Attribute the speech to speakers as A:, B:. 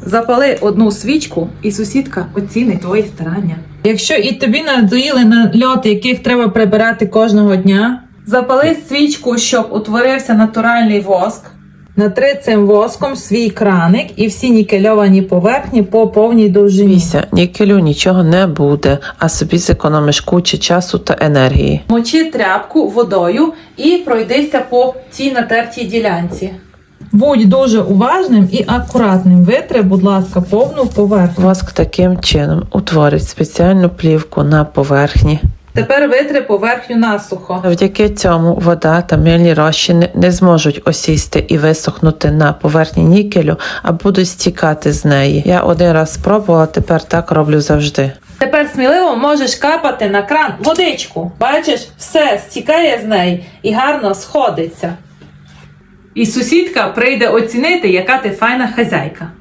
A: Запали одну свічку, і сусідка оцінить твої старання. Якщо і тобі надоїли нальоти, яких треба прибирати кожного дня, запали свічку, щоб утворився натуральний воск. Натри цим воском свій краник і всі нікельовані поверхні по повній довжині.
B: Міся, нікелю нічого не буде, а собі зекономиш кучу часу та енергії.
A: Мочи тряпку водою і пройдися по цій натертій ділянці. Будь дуже уважним і акуратним. Витри, будь ласка, повну поверхню.
B: Воск таким чином утворить спеціальну плівку на поверхні.
A: Тепер витри поверхню насухо.
B: Завдяки цьому вода та мильні розчини не зможуть осісти і висохнути на поверхні нікелю, а будуть стікати з неї. Я один раз спробувала, тепер так роблю завжди.
A: Тепер сміливо можеш капати на кран водичку. Бачиш, все стікає з неї і гарно сходиться. І сусідка прийде оцінити, яка ти файна хазяйка.